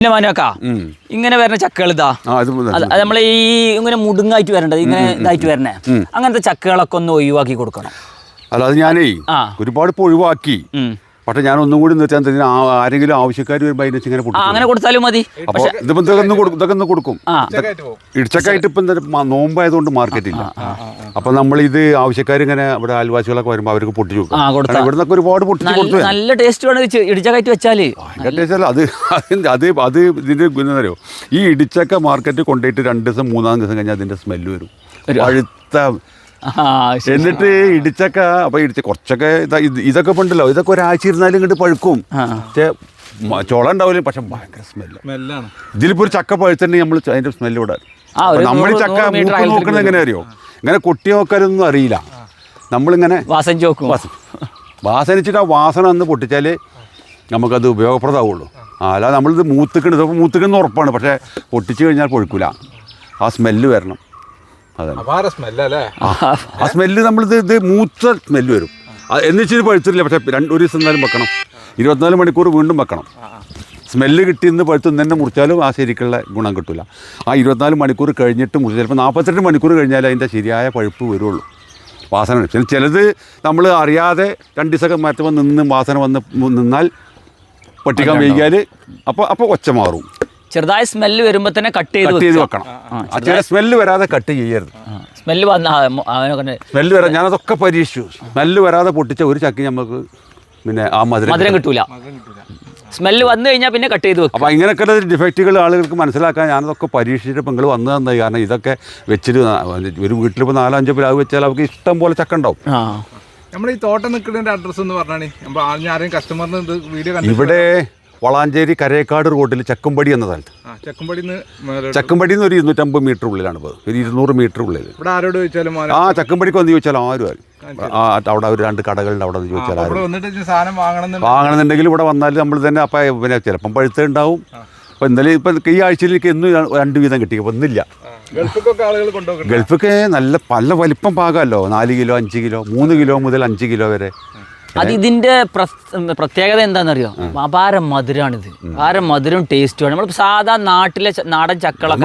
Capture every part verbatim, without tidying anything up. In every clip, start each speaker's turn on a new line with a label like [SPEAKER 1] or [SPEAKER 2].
[SPEAKER 1] പിന്നെ മാനോക്കാ ഇങ്ങനെ വരുന്ന ചക്കകൾ ഇതാ നമ്മൾ ഈ ഇങ്ങനെ മുടുങ്ങായിട്ട് വരേണ്ടത് ഇങ്ങനെ ഇതായിട്ട് വരണേ അങ്ങനത്തെ ചക്കകളൊക്കെ ഒന്ന് ഒഴിവാക്കി കൊടുക്കണം.
[SPEAKER 2] അല്ല അത് ഞാനേ ഒരുപാട് ഇപ്പോൾ ഒഴിവാക്കി. പക്ഷെ ഞാൻ ഒന്നും കൂടി നിർത്താൻ തന്നെ ആരെങ്കിലും ആവശ്യക്കാർ വരുമ്പോൾ അതിനെ ഇങ്ങനെ
[SPEAKER 1] അങ്ങനെ കൊടുത്താലും മതി.
[SPEAKER 2] അപ്പോൾ ഇതിപ്പോൾ ഇതൊക്കെ ഒന്ന് കൊടുക്കും. ഇടിച്ചക്കായിട്ട് ഇപ്പം എന്താ നോമ്പായതുകൊണ്ട് മാർക്കറ്റില്ല. അപ്പം നമ്മളിത് ആവശ്യക്കാർ ഇങ്ങനെ ഇവിടെ അയൽവാസികളൊക്കെ വരുമ്പോൾ അവർക്ക് പൊട്ടിച്ചു കൊടുക്കും. ഇവിടെ നിന്നൊക്കെ ഒരുപാട് പൊട്ടിച്ച് കൊടുത്തു.
[SPEAKER 1] നല്ല ടേസ്റ്റ് വേണം ഇടിച്ചക്കായിട്ട് വെച്ചാൽ.
[SPEAKER 2] ടേസ്റ്റ് അല്ല അത് അത് അത് ഇതിൻ്റെ എന്താ പറയുക, ഈ ഇടിച്ചക്ക മാർക്കറ്റ് കൊണ്ടുപോയിട്ട് രണ്ട് ദിവസം മൂന്നാം ദിവസം കഴിഞ്ഞാൽ അതിൻ്റെ സ്മെല്ല് വരും. പഴുത്ത എന്നിട്ട് ഇടിച്ചക്ക അപ്പൊ ഇടിച്ച കുറച്ചൊക്കെ ഇതൊക്കെ ഉണ്ടല്ലോ, ഇതൊക്കെ ഒരാഴ്ച ഇരുന്നാലും ഇങ്ങോട്ട് പഴുക്കും. പക്ഷേ ചോള ഉണ്ടാവില്ല, പക്ഷെ ഭയങ്കര സ്മെല്ലാണ്. ഇതിലിപ്പോ ഒരു ചക്ക പഴുത്തുണ്ടെങ്കിൽ നമ്മൾ അതിന്റെ സ്മെല്ല് വിടാൻ നമ്മൾ ചക്ക മൂക്ക് നോക്കുന്നത് എങ്ങനെ അറിയോ, ഇങ്ങനെ കൊട്ടി നോക്കാനൊന്നും അറിയില്ല. നമ്മളിങ്ങനെ വാസനിച്ചിട്ട് ആ വാസന ഒന്ന് പൊട്ടിച്ചാലേ നമുക്കത് ഉപയോഗപ്രദമാവുള്ളൂ. ആ അല്ലാതെ നമ്മളിത് മൂത്തിക്കണ് ഇതൊക്കെ മൂത്തിക്കണെന്ന് ഉറപ്പാണ്, പക്ഷേ പൊട്ടിച്ച് കഴിഞ്ഞാൽ പൊഴുക്കില്ല. ആ സ്മെല്ല് വരണം. ആ സ്മെല്ല് നമ്മളിത് ഇത് മൂത്ത സ്മെല്ല് വരും. എന്നുവെച്ചിട്ട് പഴുത്തില്ല, പക്ഷേ രണ്ട് ഒരു ദിവസം എന്നാലും വെക്കണം. ഇരുപത്തിനാല് മണിക്കൂർ വീണ്ടും വെക്കണം. സ്മെല്ല് കിട്ടിയെന്ന് പഴുത്ത് തന്നെ മുറിച്ചാലും ആ ശരിക്കുള്ള ഗുണം കിട്ടില്ല. ആ ഇരുപത്തിനാല് മണിക്കൂർ കഴിഞ്ഞിട്ട് മുറിച്ച് ചിലപ്പോൾ നാൽപ്പത്തെട്ട് മണിക്കൂർ കഴിഞ്ഞാൽ അതിൻ്റെ ശരിയായ പഴുപ്പ് വരുള്ളൂ. വാസന പിന്നെ ചിലത് നമ്മൾ അറിയാതെ രണ്ട് ദിവസമൊക്കെ മാറ്റുമ്പോൾ നിന്ന് വാസന വന്ന് നിന്നാൽ പൊട്ടിക്കാൻ വൈകിയാൽ അപ്പോൾ അപ്പോൾ ഒച്ച മാറും.
[SPEAKER 1] ചെറുതായ സ്മെല്ല് വരുമ്പോൾ തന്നെ കട്ട് ചെയ്ത്
[SPEAKER 2] ചെയ്ത് വെക്കണം. ചില സ്മെല്ല് വരാതെ കട്ട് ചെയ്യരുത്.
[SPEAKER 1] സ്മെല്ല്
[SPEAKER 2] സ്മെല്ല് വരാൻ ഞാനതൊക്കെ പരീക്ഷിച്ചു. സ്മെല്ല് വരാതെ പൊട്ടിച്ച ഒരു ചക്കി നമുക്ക് പിന്നെ ആ മധുരം
[SPEAKER 1] മധുരം കിട്ടൂല. സ്മെല്ല് വന്നു കഴിഞ്ഞാൽ പിന്നെ കട്ട് ചെയ്ത് വെക്കും.
[SPEAKER 2] അപ്പോൾ ഇങ്ങനെയൊക്കെ ഡിഫക്റ്റുകൾ ആളുകൾക്ക് മനസ്സിലാക്കാൻ ഞാനതൊക്കെ പരീക്ഷിച്ചിട്ട് നിങ്ങൾ വന്നു തന്നത്. കാരണം ഇതൊക്കെ വെച്ചിട്ട് ഒരു വീട്ടിലിപ്പോൾ നാലോ അഞ്ചോ പ്ലാവ് വെച്ചാൽ അവർക്ക് ഇഷ്ടം പോലെ ചക്ക ഉണ്ടാവും.
[SPEAKER 3] നമ്മൾ ഈ തോട്ടം നിൽക്കുന്നതിൻ്റെ അഡ്രസ്സ് എന്ന് പറഞ്ഞാൽ ആരെയും കസ്റ്റമറിന് വീഡിയോ
[SPEAKER 2] ഇവിടെ വളാഞ്ചേരി കരേക്കാട് റോഡിൽ ചക്കുംപടി എന്ന സ്ഥലത്ത്. ചക്കുംപടിയിൽ നിന്ന് ഒരു ഇരുന്നൂറ്റമ്പത് മീറ്റർ ഉള്ളിലാണ് ഇപ്പോൾ, ഒരു ഇരുന്നൂറ് മീറ്റർ ഉള്ളിൽ.
[SPEAKER 3] ആരോട് ചോദിച്ചാലും
[SPEAKER 2] ആ ചക്കുംപടിക്ക് വന്ന് ചോദിച്ചാൽ ആരും ആരും ആ അവിടെ ഒരു രണ്ട് കടകളുണ്ട്, അവിടെ വന്ന് ചോദിച്ചാൽ
[SPEAKER 3] സാധനം
[SPEAKER 2] വാങ്ങണമെന്നുണ്ടെങ്കിൽ ഇവിടെ വന്നാൽ നമ്മൾ തന്നെ അപ്പം പിന്നെ ചിലപ്പം പഴുത്ത ഉണ്ടാവും. അപ്പോൾ ഇന്നലെ ഇപ്പം ഈ ആഴ്ചയിലേക്ക് എന്നും രണ്ട് വീതം കിട്ടി. അപ്പോൾ ഒന്നില്ല. ഗൾഫൊക്കെ നല്ല പല വലിപ്പം പാകമല്ലോ, നാല് കിലോ അഞ്ച് കിലോ മൂന്ന് കിലോ മുതൽ അഞ്ച് കിലോ വരെ.
[SPEAKER 1] അത് ഇതിന്റെ പ്രത്യേകത എന്താണെന്നറിയോ, അപാര മധുരമാണിത്. അപാര മധുരം ടേസ്റ്റുമാണ്. നമ്മൾ സാധാ നാട്ടിലെ നാടൻ ചക്കളൊക്കെ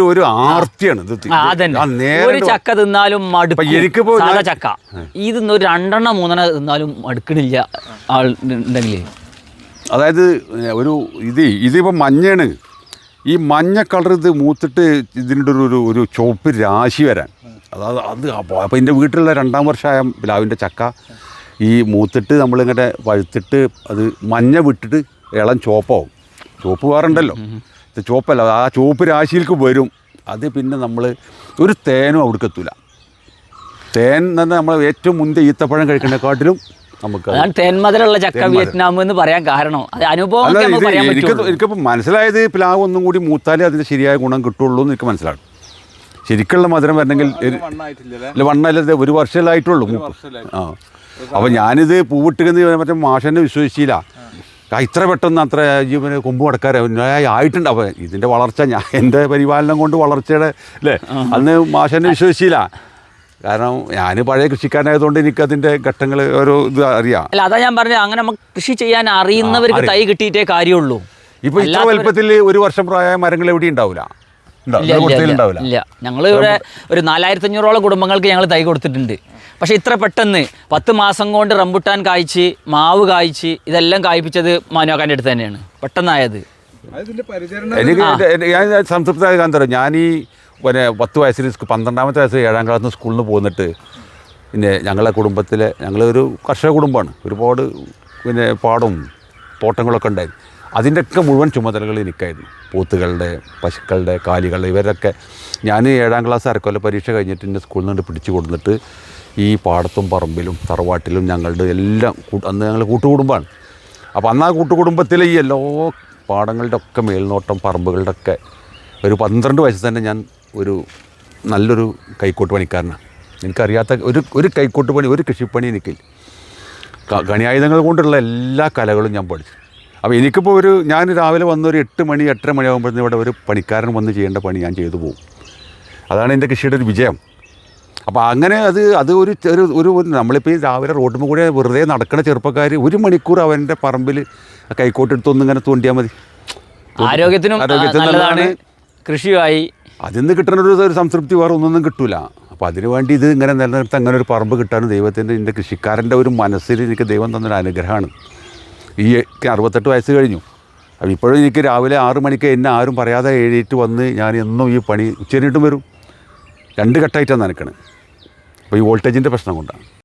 [SPEAKER 1] ഒരു ചക്ക തിന്നാലും മടുക്കും. സാധാ ചക്ക ഇത് ഒരു രണ്ടെണ്ണം മൂന്നെണ്ണം തിന്നാലും മടുക്കണില്ല ആളുണ്ടെങ്കിൽ.
[SPEAKER 2] അതായത് ഒരു ഇത് ഇതിപ്പോൾ മഞ്ഞയാണ്. ഈ മഞ്ഞ കളർ ഇത് മൂത്തിട്ട് ഇതിൻ്റെ ഒരു ഒരു ചുവപ്പ് രാശി വരാൻ, അതായത് അത് അപ്പോൾ എൻ്റെ വീട്ടിലുള്ള രണ്ടാം വർഷമായ പ്ലാവിൻ്റെ ചക്ക ഈ മൂത്തിട്ട് നമ്മളിങ്ങനെ പഴുത്തിട്ട് അത് മഞ്ഞ വിട്ടിട്ട് ഇളം ചുവപ്പാവും. ചുവപ്പ് വേറുണ്ടല്ലോ, ഇത് ചുവപ്പല്ല, ആ ചുവപ്പ് രാശിയിലേക്ക് വരും. അത് പിന്നെ നമ്മൾ ഒരു തേനും അവിടേക്ക് എത്തൂല. തേൻ തന്നെ നമ്മൾ ഏറ്റവും മുൻപ് ഈത്തപ്പഴം കഴിക്കുന്നതിനെക്കാട്ടിലും നമുക്ക്
[SPEAKER 1] തേന്മധുരമുള്ള ചക്ക വിയറ്റ്നാം എന്ന് പറയാൻ കാരണം അനുഭവം.
[SPEAKER 2] എനിക്ക് എനിക്കിപ്പോൾ മനസ്സിലായത് പ്ലാവ് ഒന്നും കൂടി മൂത്താലേ അതിൻ്റെ ശരിയായ ഗുണം കിട്ടുള്ളൂ എന്ന് എനിക്ക് മനസ്സിലാകും. ശരിക്കുള്ള മധുരം വരണമെങ്കിൽ അല്ല വണ്ണല്ല ഒരു വർഷമായിട്ടുള്ളൂ മൂപ്പ്. ആ അപ്പോൾ ഞാനിത് പൂവിട്ടുകയെന്ന് മറ്റേ മാഷനെ വിശ്വസിച്ചില്ല. ഇത്ര പെട്ടെന്ന് അത്ര ജീവന് കൊമ്പ് കടക്കാരെ ആയിട്ടുണ്ട്. അപ്പോൾ ഇതിൻ്റെ വളർച്ച ഞാൻ എൻ്റെ പരിപാലനം കൊണ്ട് വളർച്ചയുടെ അല്ലേ അന്ന് മാഷനെ വിശ്വസിച്ചില്ല. കാരണം ഞാൻ പഴയ കൃഷിക്കാരനായതുകൊണ്ട് എനിക്കതിൻ്റെ ഘട്ടങ്ങൾ ഓരോ ഇത് അറിയാം.
[SPEAKER 1] അല്ല അതാ ഞാൻ പറഞ്ഞത്, അങ്ങനെ നമുക്ക് കൃഷി ചെയ്യാൻ അറിയുന്നവർക്ക് തൈ കിട്ടിയിട്ടേ കാര്യമുള്ളൂ.
[SPEAKER 2] ഇപ്പോൾ ഇത്ര വലുപ്പത്തിൽ ഒരു വർഷം പ്രായമായ മരങ്ങൾ എവിടെയും ഉണ്ടാവില്ല.
[SPEAKER 1] ഇല്ല, ഞങ്ങൾ ഇവിടെ ഒരു നാലായിരത്തി അഞ്ഞൂറോളം കുടുംബങ്ങൾക്ക് ഞങ്ങൾ തൈ കൊടുത്തിട്ടുണ്ട്. പക്ഷേ ഇത്ര പെട്ടെന്ന് പത്ത് മാസം കൊണ്ട് റംബുട്ടാൻ കായ്ച്ച് മാവ് കായ്ച്ച് ഇതെല്ലാം കായ്പ്പിച്ചത് മാനോക്കാൻ്റെ അടുത്ത് തന്നെയാണ് പെട്ടെന്നായത്.
[SPEAKER 2] എനിക്ക് ഞാൻ സംതൃപ്തമായ കാരണം തരാം. ഞാൻ ഈ പിന്നെ പത്ത് വയസ്സിൽ പന്ത്രണ്ടാമത്തെ വയസ്സിൽ ഏഴാം ക്ലാസ്സിൽ നിന്ന് സ്കൂളിൽ നിന്ന് പോന്നിട്ട് പിന്നെ ഞങ്ങളുടെ കുടുംബത്തിലെ ഞങ്ങളൊരു കർഷക കുടുംബമാണ്. ഒരുപാട് പിന്നെ പാടവും തോട്ടങ്ങളൊക്കെ ഉണ്ടായിരുന്നു. അതിൻ്റെയൊക്കെ മുഴുവൻ ചുമതലകൾ എനിക്കായിരുന്നു. പോത്തുകളുടെ പശുക്കളുടെ കാലികളുടെ ഇവരൊക്കെ ഞാൻ ഏഴാം ക്ലാസ് അരക്കൊല്ല പരീക്ഷ കഴിഞ്ഞിട്ട് എൻ്റെ സ്കൂളിൽ നിന്ന് പിടിച്ചു കൊടുത്തിട്ട് ഈ പാടത്തും പറമ്പിലും തറവാട്ടിലും ഞങ്ങളുടെ എല്ലാം അന്ന് ഞങ്ങൾ കൂട്ടുകുടുംബമാണ്. അപ്പോൾ അന്ന് ആ കൂട്ടുകുടുംബത്തിലെ ഈ എല്ലാ പാടങ്ങളുടെ ഒക്കെ മേൽനോട്ടം പറമ്പുകളുടെ ഒക്കെ ഒരു പന്ത്രണ്ട് വയസ്സിൽ തന്നെ ഞാൻ ഒരു നല്ലൊരു കൈക്കോട്ട് പണിക്കാരനാണ്. എനിക്കറിയാത്ത ഒരു ഒരു കൈക്കോട്ട് പണി ഒരു കൃഷിപ്പണി എനിക്കില്ല. ഗണിയായുധങ്ങൾ കൊണ്ടുള്ള എല്ലാ കലകളും ഞാൻ പഠിച്ചു. അപ്പോൾ എനിക്കിപ്പോൾ ഒരു ഞാൻ രാവിലെ വന്നൊരു എട്ട് മണി എട്ടര മണിയാകുമ്പോഴത്തേക്കും ഇവിടെ ഒരു പണിക്കാരൻ വന്ന് ചെയ്യേണ്ട പണി ഞാൻ ചെയ്തു പോകും. അതാണ് എൻ്റെ കൃഷിയുടെ ഒരു വിജയം. അപ്പോൾ അങ്ങനെ അത് അത് ഒരു ഒരു ഒരു നമ്മളിപ്പോൾ ഈ രാവിലെ റോഡിൽ കൂടെ വെറുതെ നടക്കുന്ന ചെറുപ്പക്കാർ ഒരു മണിക്കൂർ അവൻ്റെ പറമ്പിൽ കൈക്കോട്ടെടുത്തൊന്നിങ്ങനെ തോണ്ടിയാൽ മതി.
[SPEAKER 1] ആരോഗ്യത്തിനും ആ,
[SPEAKER 2] ആരോഗ്യത്തിന്
[SPEAKER 1] നല്ലതാണ്, കൃഷിയുമായി.
[SPEAKER 2] അതിൽ നിന്ന് കിട്ടുന്ന ഒരു ഒരു സംതൃപ്തി വേറെ ഒന്നൊന്നും കിട്ടൂല. അപ്പോൾ അതിനു വേണ്ടി ഇത് ഇങ്ങനെ നിലനിർത്താൻ അങ്ങനെ ഒരു പറമ്പ് കിട്ടാനും ദൈവത്തിൻ്റെ എൻ്റെ കൃഷിക്കാരൻ്റെ ഒരു മനസ്സിൽ എനിക്ക് ദൈവം തന്നൊരു അനുഗ്രഹമാണ്. ഈ എനിക്ക് അറുപത്തെട്ട് വയസ്സ് കഴിഞ്ഞു. അപ്പോൾ ഇപ്പോഴും എനിക്ക് രാവിലെ ആറ് മണിക്ക് എന്നെ ആരും പറയാതെ എഴുന്നേറ്റ് വന്ന് ഞാൻ എന്നും ഈ പണി ഉച്ചരിട്ടും വരും. രണ്ട് ഘട്ടമായിട്ടാണ് നനക്കണത്. അപ്പോൾ ഈ വോൾട്ടേജിൻ്റെ പ്രശ്നം കൊണ്ടാണ്.